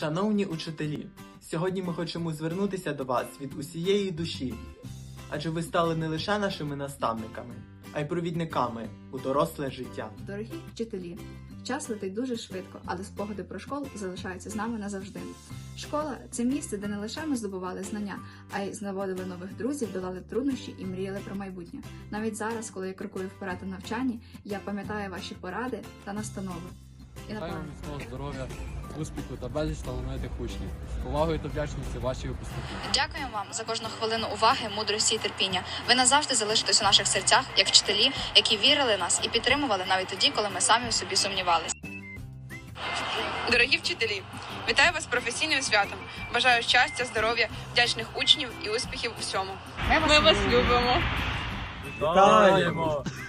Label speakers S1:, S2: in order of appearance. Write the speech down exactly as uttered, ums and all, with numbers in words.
S1: Шановні учителі, сьогодні ми хочемо звернутися до вас від усієї душі, адже ви стали не лише нашими наставниками, а й провідниками у доросле життя.
S2: Дорогі вчителі, час летить дуже швидко, але спогади про школу залишаються з нами назавжди. Школа – це місце, де не лише ми здобували знання, а й знаводили нових друзів, долали труднощі і мріяли про майбутнє. Навіть зараз, коли я крокую вперед у навчанні, я пам'ятаю ваші поради та настанови. І
S3: Бажаю
S2: напевно,
S3: міцного здоров'я, успіху та безліч талановитих учнів. З повагою та вдячністю ваші випускники.
S4: Дякуємо вам за кожну хвилину уваги, мудрості і терпіння. Ви назавжди залишитесь у наших серцях, як вчителі, які вірили в нас і підтримували навіть тоді, коли ми самі у собі сумнівалися.
S5: Дорогі вчителі, вітаю вас з професійним святом. Бажаю щастя, здоров'я, вдячних учнів і успіхів у всьому. Ми вас любимо.
S1: Вітаємо!